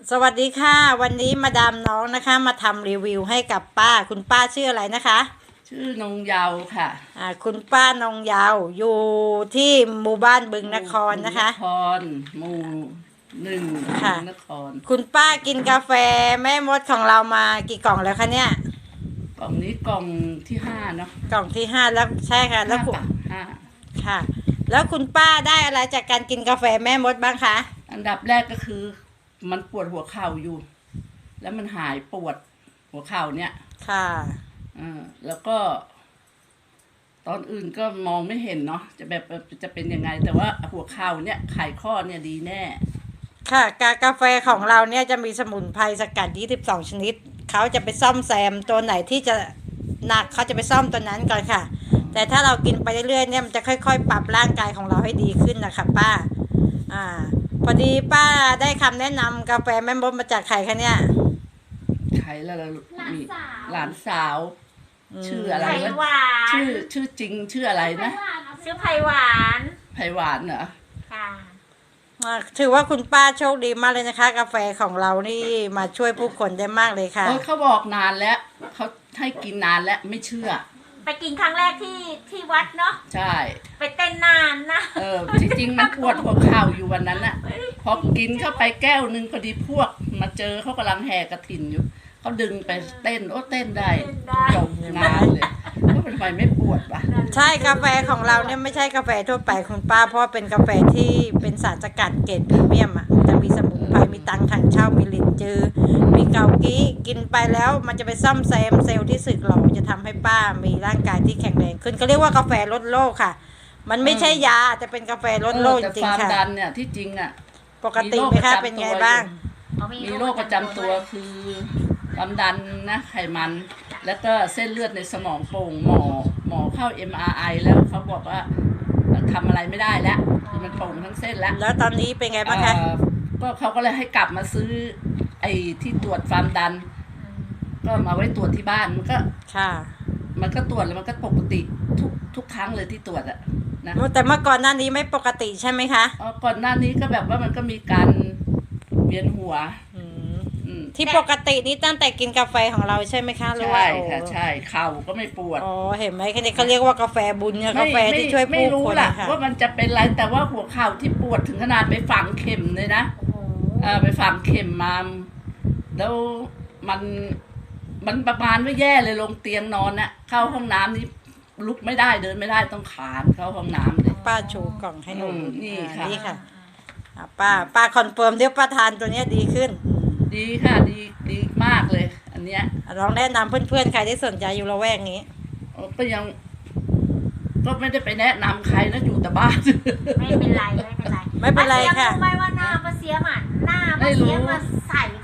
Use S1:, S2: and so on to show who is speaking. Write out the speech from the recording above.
S1: สวัสดีค่ะวันนี้มาดามน้องนะคะมาทำรีวิวให้กับป้าคุณป้าชื่ออะไรนะคะ
S2: ชื่อนงเยาว์ค่ะ
S1: คุณป้านงยาวอยู่ที่หมู่บ้านบึงนครนะคะ
S2: นครหมู่1
S1: ค่ะ
S2: นคร
S1: คุณป้ากินกาแฟแม่มดของเรามากี่กล่องแล้วคะเนี่ย
S2: กล่องนี้กล่องที่5เนาะ
S1: กล่องที่5แล้วใช่ค่ะแล้วคุณ
S2: ห้า
S1: ค่ะแล้วคุณป้าได้อะไรจากการกินกาแฟแม่มดบ้างคะ
S2: อันดับแรกก็คือมันปวดหัวเข่าอยู่ แล้วมันหายปวดหัวเข่าเนี่ย
S1: ค่ะ
S2: แล้วก็ ตอนอื่นก็มองไม่เห็นเนาะจะเป็นยังไง แต่ว่าหัวเข่าเนี่ยไขข้อเนี่ยดีแน่
S1: ค่ะกาแฟของเราเนี่ยจะมีสมุนไพรสกัด22ชนิดเขาจะไปซ่อมแซมตัวไหนที่จะหนักเขาจะไปซ่อมตัวนั้นก่อนค่ะแต่ถ้าเรากินไปเรื่อยๆเนี่ยมันจะค่อยๆปรับร่างกายของเราให้ดีขึ้นนะคะป้าพอดีป้าได้คำแนะนำกาแฟแม่มดมาจากใครคะเนี่ย
S2: ใครแล้วมีหลานสาวชื่ออะไรวะชื่อจริงชื่ออะไรนะ
S3: ชื่อไผ่หวาน
S2: ไผ่หวานเหรอ
S3: ค่ะ
S1: ถือว่าคุณป้าโชคดีมากเลยนะคะกาแฟของเรานี่มาช่วยผู้คนได้มากเลยค่ะ
S2: เขาบอกนานแล้วเขาให้กินนานแล้วไม่เชื่อ
S3: ไปกินครั้งแรกที่วัดเนาะ
S2: ใช่
S3: ไปเต้นนานนะ
S2: จริงๆมันปวดหัวเข่าอยู่วันนั้นน่ะพอกินเข้าไปแก้วนึงพอดีพวกมาเจอเขากำลังแห่กระถินอยู่เขาดึงไปเต้นเต้นได้จบงานเลยว่าเป็นไฟไม่ปวดปะ
S1: ใช่กาแฟของเราเนี่ยไม่ใช่กาแฟทั่วไปคุณป้าเพราะเป็นกาแฟที่เป็นสารสกัดเกรดพรีเมียมจะมีสมุนไพรมีตังถังเช่ามีลิ้นจือมีเกากี้กินไปแล้วมันจะไปซ่อมแซมเซลล์ที่สึกหรอจะทำให้ป้ามีร่างกายที่แข็งแรงขึ้นก็เรียกว่ากาแฟลดโรคค่ะมันไม่ใช่ยาแต่เป็นกาแฟลดโรคจริงๆค่ะ
S2: แต่ความดันเนี่ยที่จริง
S1: ปกติไหมคะเป็นไงบ้าง
S2: มีโรคประจำตัวคือความดันนะไขมันแล้วก็เส้นเลือดในสมองโป่งหมอเข้า MRI แล้วเขาบอกว่าทำอะไรไม่ได้แล้วคือมันโป่งทั้งเส้นแล้ว
S1: ตอนนี้เป็นไงบ้างคะ
S2: ก็เขาก็เลยให้กลับมาซื้อไอ้ที่ตรวจความดันก็มาไว้ตรวจที่บ้านมันก็
S1: ค่ะ
S2: มันก็ตรวจแล้วมันก็ปกติทุกครั้งเลยที่ตรวจนะ
S1: แต่เมื่อก่อนหน้านี้ไม่ปกติใช่ไหมคะ
S2: ก่อนหน้านี้ก็แบบว่ามันก็มีการเวียนหัว
S1: ที่ปกตินี่ตั้งแต่กินกาแฟของเราใช่ไหมคะ
S2: ใช่ค่ะใช่เข่าก็ไม่ปวด
S1: เห็นไหมแค่นี้เขาเรียกว่ากาแฟบุญเนี่ยกาแฟที่ช่วยผู้คน
S2: ค่ะว่ามันจะเป็นไรแต่ว่าหัวเข่าที่ปวดถึงขนาดไปฝังเข็มเลยนะไปฝังเข็มมาแล้วมันประมาณว่าแย่เลยลงเตียงนอนน่ะเข้าห้องน้ำนี่ลุกไม่ได้เดินไม่ได้ต้องขานเข้าห้องน้ำเลย
S1: ป้าชูกล่องให้หนู
S2: นี่ค่ะ
S1: ป้าคอนเฟิร์มเดี๋ยวป้าทานตัวนี้ดีขึ้น
S2: ดีค่ะดีมากเลยอันเนี้ย
S1: ลองแนะนำเพื่อนๆใครที่สนใจอยู่ละแวกนี้
S2: ก็ยังก็ไม่ได้ไปแนะนำใครนะอยู่แต่บ้าน
S3: ไม่เป็นไร
S1: ไม่เป็นไรค่ะ
S3: ไม่ว่าหน้ามาเสียมันหน้ามาเสียมาใส่